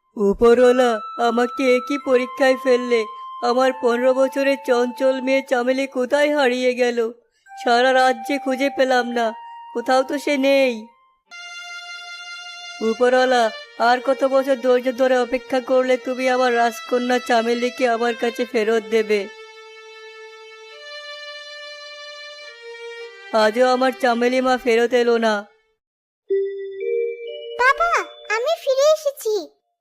উপরওয়ালা, আমাকে একই পরীক্ষায় ফেললে। আমার 15 বছরের চঞ্চল মেয়ে চামেলি কোথায় হারিয়ে গেল? সারা রাজ্যে খুঁজে পেলাম না, কোথাও তো সে নেই। উপরওয়ালা, আর কত বছর ধৈর্য ধরে অপেক্ষা করলে তুমি আমার রাজকন্যা চামেলিকে আমার কাছে ফেরত দেবে? আজও আমার চামেলি মা ফেরত এলো না। বাবা, আমি ফিরে এসেছি।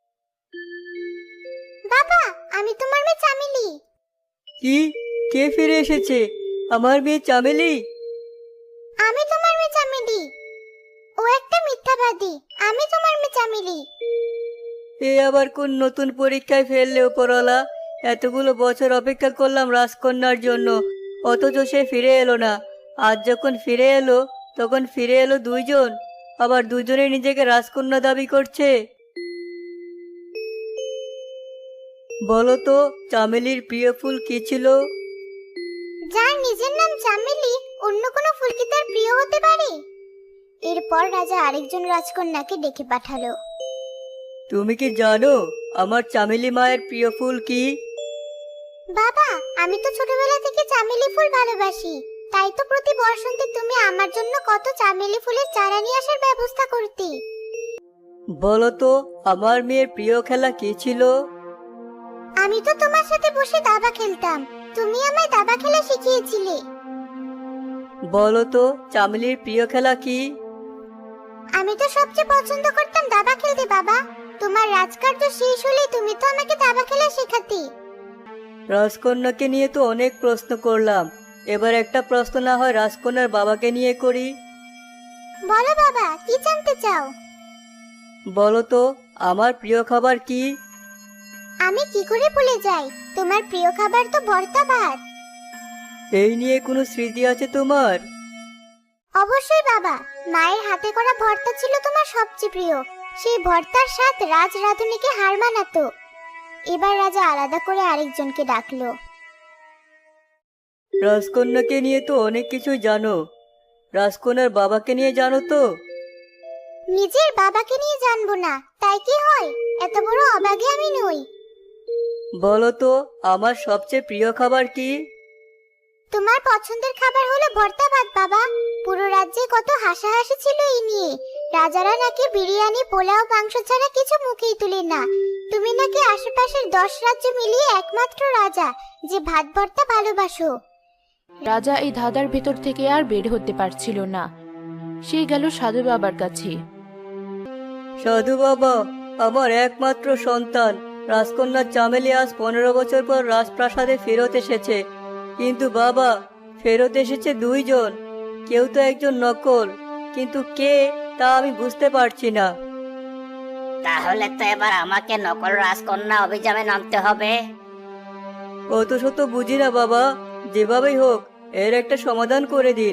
বাবা, আমি তোমার মেয়ে চামেলি। কি? কে ফিরে এসেছে? আমার মেয়ে চামেলি? আমি তোমার মেয়ে চামেলি। ও একটা মিথ্যাবাদী। আমি তোমার মেয়ে চামেলি। এ আবার কোন নতুন পরীক্ষায় ফেললে উপরওয়ালা? এতগুলো বছর অপেক্ষা করলাম রাজকন্যার জন্য, অথচ সে ফিরে এলো না। আজ যখন ফিরে এলো, তখন ফিরে এলো দুইজন, আবার দুজনে নিজেকে রাজকন্যা দাবি করছে। বলো তো, চামেলির প্রিয় ফুল কি ছিল? যার নিজের নাম চামেলি, অন্য কোনো ফুল কি তার প্রিয় হতে পারে? এরপর রাজা আরেকজন রাজকন্যাকে ডেকে পাঠালো। তুমি কি জানো আমার চামেলি মায়ের প্রিয় ফুল কি? বাবা, আমি তো ছোটবেলা থেকে চামেলি ফুল ভালোবাসি। তাই তো প্রতি বসন্তে তুমি আমার জন্য কত চামেলি ফুলের চারা নিয়ে আসার ব্যবস্থা করতে। বলো তো, আমার মেয়ের প্রিয় খেলা কি ছিল? আমি তো তোমার সাথে বসে দাবা খেলতাম। তুমি আমায় দাবা খেলা শিখিয়েছিলে। বলো তো, চামেলির প্রিয় খেলা কি? আমি তো সবচেয়ে পছন্দ করতাম দাবা খেলতে বাবা। তোমার রাজকার্য শেষ হলে তুমি তো আমাকে দাবা খেলা শেখাতে। রাজকন্যাকে নিয়ে তো অনেক প্রশ্ন করলাম, এবার একটা প্রশ্ন না হয় রাজকন্যার বাবাকে নিয়ে করি। বলো বাবা, কি জানতে চাও? বলো তো, আমার প্রিয় খাবার কি? আমি কি করে ভুলে যাই? তোমার প্রিয় খাবার তো ভর্তা ভাত। এই নিয়ে কোনো স্মৃতি আছে তোমার? অবশ্যই বাবা, মায়ের হাতে করা ভর্তা ছিল তোমার সবচেয়ে প্রিয়। সেই ভর্তার স্বাদ রাজ রাধুনিকে হার মানাতো। এবার রাজা আলাদা করে আরেকজনকে ডাকলো। রাজকন্যাকে নিয়ে তো অনেক কিছুই জানো, রাজকন্যার বাবাকে নিয়ে জানো তো? নিজের বাবাকে নিয়ে জানবো না তাই কি হয়? এত বড় অবাগে আমি নই। বলো তো, আমার সবচেয়ে প্রিয় খাবার কি? তোমার পছন্দের খাবার হলো ভর্তা ভাত বাবা। পুরো রাজ্যে কত হাসাহাসি ছিল এই নিয়ে। রাজারা নাকি বিরিয়ানি পোলাও মাংস ছাড়া কিছু মুখেই তুলে না। তুমি নাকি আশেপাশের 10 রাজ্য মিলিয়ে একমাত্র রাজা যে ভাত ভর্তা ভালোবাসো। রাজা এই ধাঁধার ভেতর থেকে আর বের হতে পারছিল না। সে গেল সাধু বাবার কাছে। সাধু বাবা, আমার একমাত্র সন্তান রাজকন্যা চামেলি আজ 15 বছর পর রাজপ্রাসাদে ফেরত এসেছে। কিন্তু বাবা, ফেরত এসেছে দুইজন, কেউ তো একজন নকল, কিন্তু কে তা আমি বুঝতে পারছি না। তাহলে তো এবার আমাকে নকল রাজকন্যা অভিযানে নামতে হবে। অত শত বুঝি না বাবা, যেভাবেই হোক এর একটা সমাধান করে দিন।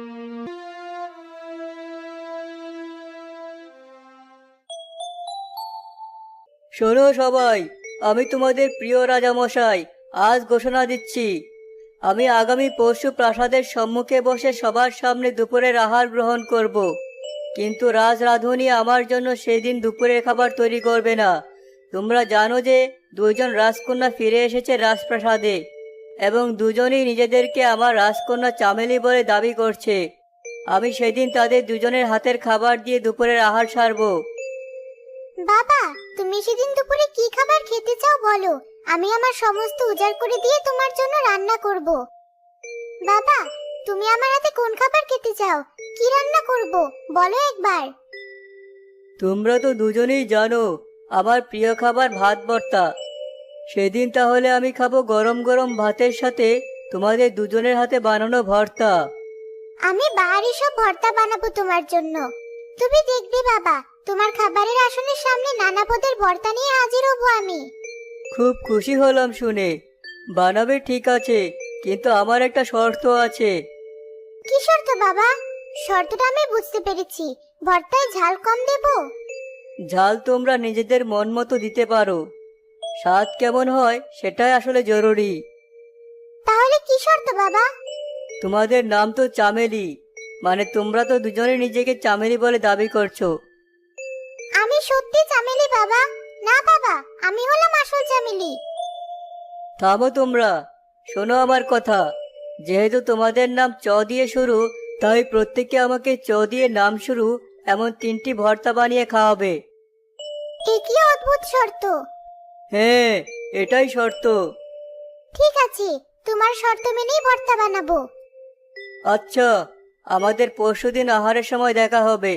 শোনো সবাই, আমি তোমাদের প্রিয় রাজামশাই আজ ঘোষণা দিচ্ছি, আমি আগামী পরশু প্রাসাদের সম্মুখে বসে সবার সামনে দুপুরের আহার গ্রহণ করব। কিন্তু রাজ রাঁধুনি আমার জন্য সেদিন দুপুরের খাবার তৈরি করবে না। তোমরা জানো যে দুইজন রাজকন্যা ফিরে এসেছে রাজপ্রাসাদে, এবং দুজনেই নিজেদেরকে আমার রাজকন্যা চামেলি বলে দাবি করছে। আমি সেদিন তাদের দুজনের হাতের খাবার দিয়ে দুপুরের আহার সারবো। বাবা, তুমি সেদিন দুপুরে কি খাবার খেতে চাও বলো। আমি আমার সমস্ত উজাড় করে দিয়ে তোমার জন্য রান্না করব। বাবা, তুমি আমার হাতে কোন খাবার খেতে চাও? কি রান্না করব বলো একবার। তোমরা তো দুজনেই জানো আমার প্রিয় খাবার ভাত ভর্তা। সেদিন তাহলে আমি খাবো গরম গরম ভাতের সাথে তোমাদের দুজনের হাতে বানানো ভর্তা। আমি বাহারি সব ভর্তা বানাবো তোমার জন্য। তুমি দেখবে বাবা, তোমার খাবারের আসনের সামনে নানা পদের ভর্তা নিয়ে হাজির হব আমি। খুব খুশি হলাম শুনে। বানাবে ঠিক আছে, কিন্তু আমার একটা শর্ত আছে। কি শর্ত বাবা? শর্তটা আমি বুঝতে পেরেছি। ভর্তায় ঝাল কম দেব? ঝাল তোমরা নিজেদের মন মতো দিতে পারো, স্বাদ কেমন হয় সেটাই আসলে জরুরি। তাহলে কি শর্ত বাবা? তোমাদের নাম তো চামেলি, মানে তোমরা তো দুজনে নিজেকে চামেলি বলে দাবি করছো। আমি সত্যি চামেলি বাবা। না বাবা, আমি হলাম আসল চামেলি। থামো তোমরা, শোনো আমার কথা। যেহেতু তোমাদের নাম চ দিয়ে শুরু, তাই প্রত্যেকে আমাকে চ দিয়ে নাম শুরু এমন 3টি ভর্তা বানিয়ে খাওয়াবে। এ কি অদ্ভুত শর্ত! হ্যাঁ, এটাই শর্ত। ঠিক আছে, তোমার শর্ত মেনেই ভর্তা বানাবো। আচ্ছা, আমাদের পরশুদিন আহারের সময় দেখা হবে।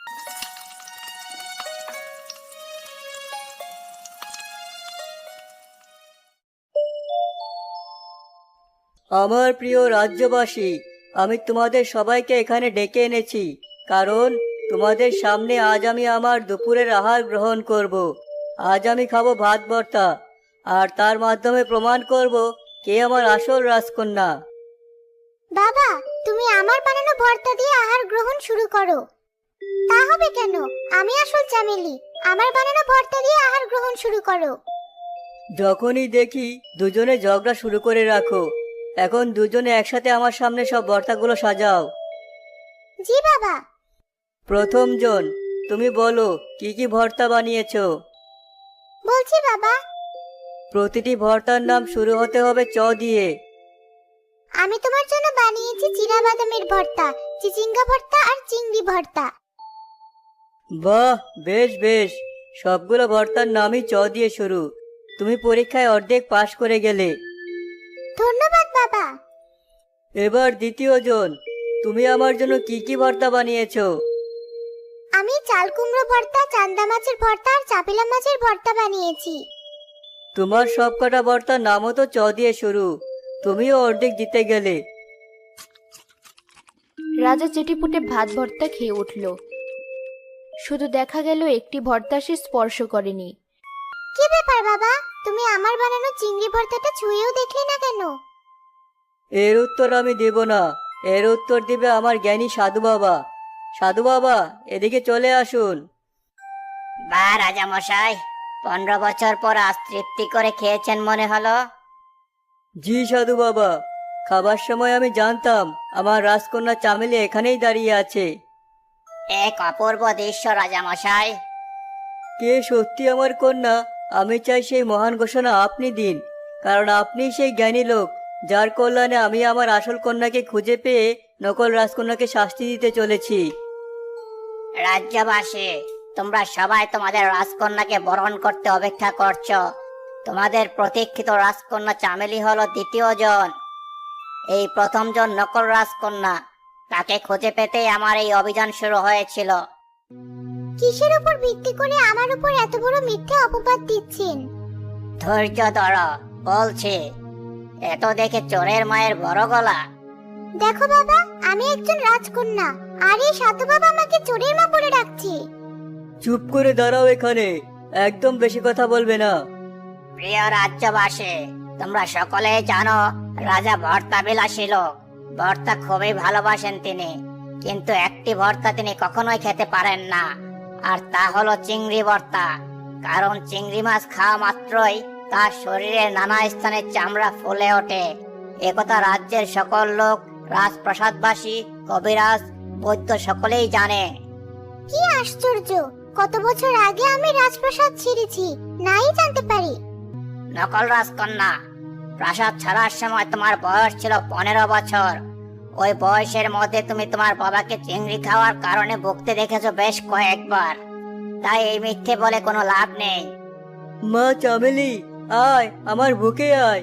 আমার প্রিয় রাজ্যবাসী, আমি তোমাদের সবাইকে এখানে ডেকে এনেছি, কারণ তোমাদের সামনে আজ আমি আমার দুপুরের আহার গ্রহণ করব। আজ আমি খাবো ভাত ভর্তা, আর তার মাধ্যমে প্রমাণ করব কে আমার আসল রাজকন্যা। বাবা, তুমি আমার বানানো ভর্তা দিয়ে আহার গ্রহণ শুরু করো। তা হবে কেন? আমি আসল চামেলি, আমার বানানো ভর্তা দিয়ে আহার গ্রহণ শুরু করো। যখনই দেখি দুজনে ঝগড়া শুরু করে রাখো। এখন দুজনে একসাথে আমার সামনে সব ভর্তাগুলো সাজাও। জি বাবা। প্রথম জন, তুমি বলো কি কি ভর্তা বানিয়েছো। বলছি বাবা। প্রতিটি ভর্তার নাম শুরু হতে হবে চ দিয়ে। আমি তোমার জন্য বানিয়েছি চীনাবাদামের ভর্তা, চিচিঙ্গা ভর্তা আর চিংড়ি ভর্তা। বাহ, বেশ বেশ, সবগুলো ভর্তার নামই চ দিয়ে শুরু। তুমি পরীক্ষায় অর্ধেক পাশ করে গেলে। ধন্যবাদ বাবা। এবার দ্বিতীয় জন, তুমি আমার জন্য কি কি ভর্তা বানিয়েছো। আমি চাল কুমড়ো ভর্তা, চান্দা মাছের ভর্তা আর চাপিলা মাছের ভর্তা বানিয়েছি। তোমার সবকটা ভর্তার নামও তো চ দিয়ে শুরু। তুমিও অর্ধেক জিতে গেলে। রাজা চেটিপুটে ভাত ভর্তা খেয়ে উঠল। শুধু দেখা গেল একটি ভর্তা সে স্পর্শ করেনি। কি ব্যাপার বাবা, তুমি আমার বানানো চিংড়ি ভর্তাটা ছুঁয়েও দেখলে না কেন? এর উত্তর আমি দেব না, এর উত্তর দিবে আমার জ্ঞানী সাধু বাবা। সাধু বাবা, এদিকে চলে আসুন। বা রাজামশাই, 15 বছর পর আজ তৃপ্তি করে খেয়েছেন মনে হলো। জি সাধু বাবা, খাবার সময় আমি জানতাম আমার রাজকন্যা চামেলি এখানেই দাঁড়িয়ে আছে। এক অপূর্ব দৃশ্য রাজামশাই। কে সত্যি আমার কন্যা, আমি চাই সেই মহান ঘোষণা আপনি দিন, কারণ আপনি সেই জ্ঞানী লোক যার কল্যাণে আমি আমার আসল কন্যাকে খুঁজে পেয়ে নকল রাজকন্যাকে শাস্তি দিতে চলেছি। রাজ্যবাসী, তোমরা সবাই তোমাদের রাজকন্যাকে বরণ করতে অপেক্ষা করছো। তোমাদের প্রতীক্ষিত রাজকন্যা চামেলি হলো দ্বিতীয় জন। এই প্রথম জন নকল রাজকন্যা, তাকে খুঁজে পেতেই আমার এই অভিযান শুরু হয়েছিল। কিসের উপর ভিত্তি করে আমার উপর এত বড় মিথ্যে অপবাদ দিচ্ছেন? ধৈর্য ধরো, বলছি। এত দেখে চোরের মায়ের বড় গলা। দেখো বাবা, আমি একজন রাজকন্যা, আর এই সাধু বাবা আমাকে চোরের মা বলে ডাকছে। চুপ করে দাঁড়াও এখানে, একদম বেশি কথা বলবে না। প্রিয় রাজ্যবাসী, তোমরা সকলেই জানো রাজা ভর্তা বিলাসী লোক। ভর্তা খুবই ভালোবাসেন তিনি, কিন্তু একটি ভর্তা তিনি কখনোই খেতে পারেন না, আর তা হলো চিংড়ি ভর্তা। কারণ চিংড়ি মাছ খাওয়া মাত্রই তার শরীরে নানা স্থানে চামড়া ফুলে ওঠে। একথা রাজ্যের সকল লোক, রাজপ্রাসাদবাসী, কবিরাজ, বৈদ্য সকলেই জানে। কি আশ্চর্য! কত বছর আগে আমি রাজপ্রাসাদ ছেড়েছি, নাই জানতে পারি। নকল রাজকন্যা, প্রাসাদ ছাড়ার সময় তোমার বয়স ছিল 15 বছর। ওই বয়সের মধ্যে তুমি তোমার বাবাকে চিংড়ি খাওয়ার কারণে ভুগতে দেখেছো বেশ কয়েকবার। তাই এই মিথ্যে বলে কোনো লাভ নেই। মা চামেলি, আয় আমার বুকে আয়।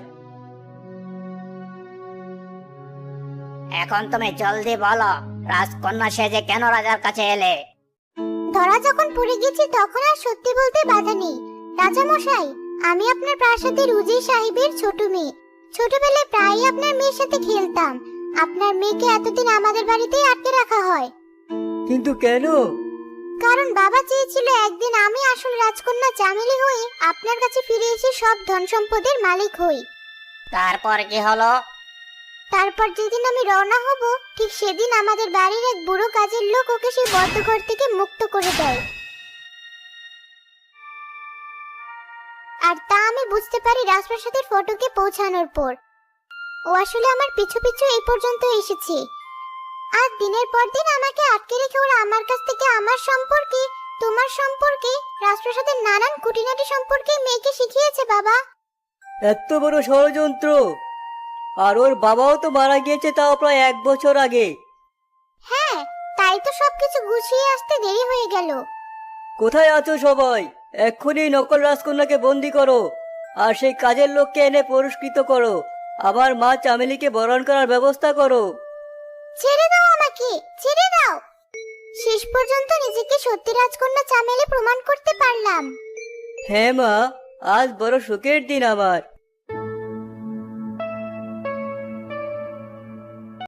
এখন তুমি জলদি বলো, রাজকন্যা সেজে কেন রাজার কাছে এলে? ধরা যখন পড়ে গেছি তখন আর সত্যি বলতে বাধা নেই। রাজা মশাই, আমি আপনার প্রাসাদের উজির সাহেবের ছোট মেয়ে। ছোটবেলায় প্রায়ই আপনার মেয়ের সাথে খেলতাম। আপনার মেয়েকে এতদিন আমাদের বাড়িতেই আটকে রাখা হয়। কিন্তু কেন? কারণ বাবা চেয়েছিল একদিন আমি আসল রাজকন্যা চামেলি হয়ে আপনার কাছে ফিরে এসে সব ধন সম্পদের মালিক হই। তারপর কি হলো? তারপর যেদিন আমি রওনা হব, ঠিক সেদিন আমাদের বাড়ির এক বুড়ো কাজের লোক ওকে সেই বদ্ধঘর থেকে মুক্ত করে দেয়। আর তা আমি বুঝতে পারি রাজপ্রাসাদের ফটকে পৌঁছানোর পর। ও আসলে আমার পিছু পিছু এই পর্যন্ত এসেছে। আর দিনের পর দিন আমাকে আটকে রেখে ওরা আমার কাছ থেকে আমার সম্পর্কে তোমার সম্পর্কে রাজপ্রাসাদের নানান খুঁটিনাটি সম্পর্কে মেয়েকে শিখিয়েছে বাবা। এত বড় ষড়যন্ত্র! আর ওর বাবাও তো মারা গিয়েছে, তাও প্রায় 1 বছর আগে। হ্যাঁ, তাই তো সবকিছু গুছিয়ে আসতে দেরি হয়ে গেল। কোথায় আছো সবাই? এক্ষুনি নকল রাজকন্যাকে বন্দি করো, আর সেই কাজের লোককে এনে পুরস্কৃত করো। আমার মা চামেলিকে বরণ করার ব্যবস্থা করো। ছেড়ে দাও আমাকে, ছেড়ে দাও। শেষ পর্যন্ত নিজেকে সত্যি রাজকন্যা চামেলি প্রমাণ করতে পারলাম। হ্যাঁ মা, আজ বড় সুখের দিন আমার।